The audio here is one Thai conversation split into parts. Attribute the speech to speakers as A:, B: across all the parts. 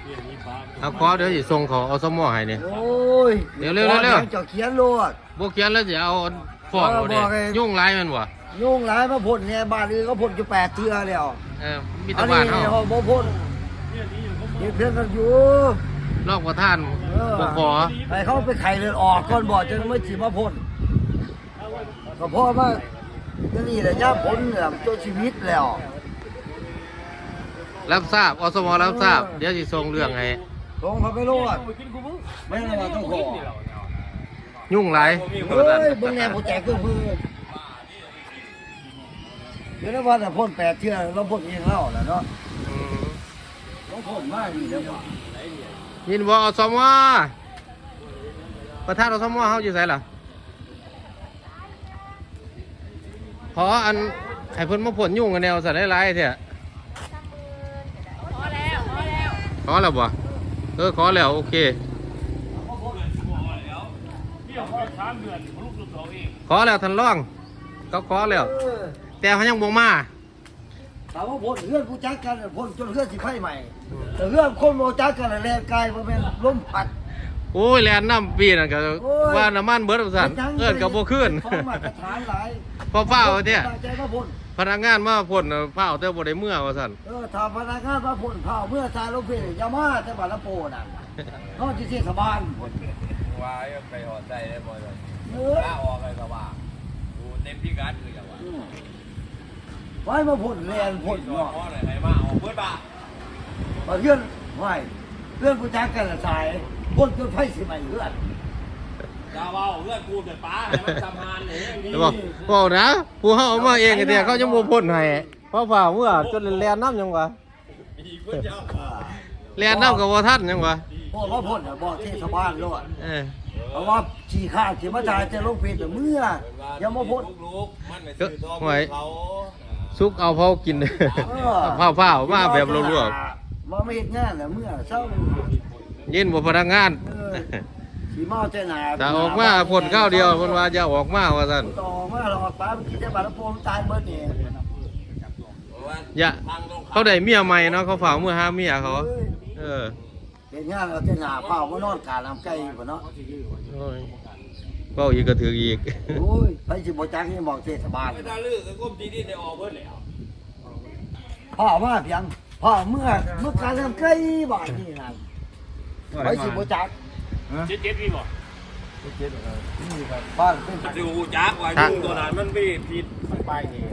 A: เอาขอเดี๋ยวสิส่งเขาเอาสมอให้นี่
B: โอ้ย
A: เร็วเร็ว
B: เจ้าเขียนโลด
A: บ่เขียนแล้วสิเอาฟ้องเอาเด้ยุ่งหลายแม่นบ่
B: ยุ่งหลายมาพ่นเนี่ยบ้านอื่นก็พ่นอยู่8 เทื่อแล้ว
A: มีแต่บ้านเฮา
B: บ่พ่นเฮ็ดเพื่อนกันอยู่
A: รองประธานบ่ขอ
B: ให้เขาไปไข่เลือดออกก่อนบ่จะไม่สิมาพ่นก็เพราะว่านี่แหละย่าผลเนี่ยมันตัวชีวิตแล้ว
A: รับทราบอสมรับทราบเดี๋ยวสิส่งเรื่องให้
B: ลงเขาไปโลดไม่ได้ว่าต้องขอ
A: ยุ่งหลาย
B: เฮ้ยเบิ่งแนวผู้แจกคือพื้นเดี๋ยวนะว่าแต่พ่น8 เทื่อเราพ่นเองแล้วแหละเนาะ
A: อืม
B: เราพ่นมาอยู่แล้วว่า
A: ยินบ่อสมประธานอสมเฮาอยู่ไสล่ะขออันให้เพิ่นมาพ่นยุ่งกันแนวซะหลายๆแท้ขอแล้วบ่ขอแล้วโอเคขอแล้วท่านรองก็ขอแล้วแต่เขายังบ่มา
B: ถามว่าพ่นเพื่อนผู้จักกันพ่นจนเพื่อนสิไฟใหม่แต่เพื่อนคนบ่จักกันแรงกายบ่แม่นลมพัด
A: โอ้ยแลนน้ำปีนั่นก็ว่าน้ำมันเบิดว่าซั่นก็บ่ขึ้น
B: ของมาตรฐานหลาย
A: พอเฝ้าเนี่ย
B: ใจมาพ่น
A: พนักงานมาพ่นเฝ้าแต่บ่ได้เมื่อว่าซั่น
B: ถ้าพนักงานมาพ่นข้าวเมื่อชายลงเพลยามาแต่บัดละโปน่ะเขาสิเทศบาลพ่น
C: ว่าไปหอดใจได้บ่เลย
B: เออ
C: ถ้าออกเลยก็ว่าดูเต็มที่การคืออย่างว่า
B: ไว้มาพ่นแลนพ่น
C: พ่อ
B: เนาะ
C: ไหนใครมาออกเบิดบ้า
B: เพื่อนไว้เพื่อนผู้จักกันสายพ่นจนไฟสิใหม่เพื่อน
C: ดาวเอาเพื่อนกูเกิดป้าให้มันทำงานเอง
A: แล้วบอกนะผู้เฮาเอามาเองเนี่ยเขาจะบ่พ่นให้เพราะฝ่าเมื่อจนแลนน้ำยังวะ
C: มีคนเดียว
A: แลนน้ำก็บ่ทันยังวะ
B: พ่อว่าพ่นบอกเทศบาลโลด
A: เออ
B: เพราะว่าขี่ข้าขี่มาจ่ายจะลงเพลเมื่ออย่ามาพ่น
C: ลูกมันไปซื้อทองเขา
A: ซุกเอาเผากินเผามาแบบลวก
B: มาไม่เห็นงานน่ะเมื่อเช้า
A: ๆยินบ่พนักงาน
B: ขี่เมาใจหนา
A: ถ้าออกมาพ่นข้าวเดียวเพิ่นว่าอย่าออกมาว่าซั่น
B: ต่อมาหลอกป้าเมื่อกี้ได้บาดละโปมตายเบิดนี่
A: อย่าเขาได้เมียใหม่เนาะเขาฝากเมื่อหาเมียเขาเออ
B: เป็นงานเราใจหนาเผามานอนกาลำไก่พุ่นเนาะ
A: โอ้ยเว้าอีกก็ถืออีก
B: โอ้ยไปสิบ่จักนี่บอกเทศบาล
C: ไม่ได้ลือก็ก้มดีดีได้ออกเบิดแล้ว
B: พ่อมาเพียงพ่อเมื่อการลำไก่บาดนี่นั่นไปสิบ่จัก
C: เจ็ดพี่บ่
B: บ้านเป็น
C: ดูจักว่ายุ่งตัวนั้นมันไม่ผิด
D: ไปนี่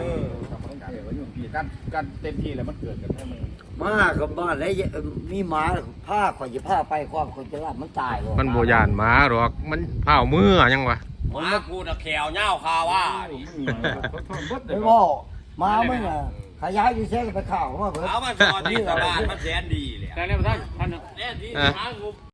D: การเต็มที่แล้วมันเกิดกันให้มัน
B: มากับบ้านแล้วมีหมาผ้าข่อยจะผ้าไปความคนจะรับมันตาย
A: มันบ่ย่านหมาหรอกมันเผามือยังวะ
C: หมากูตะแขวเน่าคาว่า
B: ไม่บอกมามึงอ่ะขยายอยู่แท้ไปข่าวมาเพิ่น
C: เอามาสอนที่ตลาดมันแสนดีเลย
D: แต่เนี่ยท่าน
C: แน่ดีหากู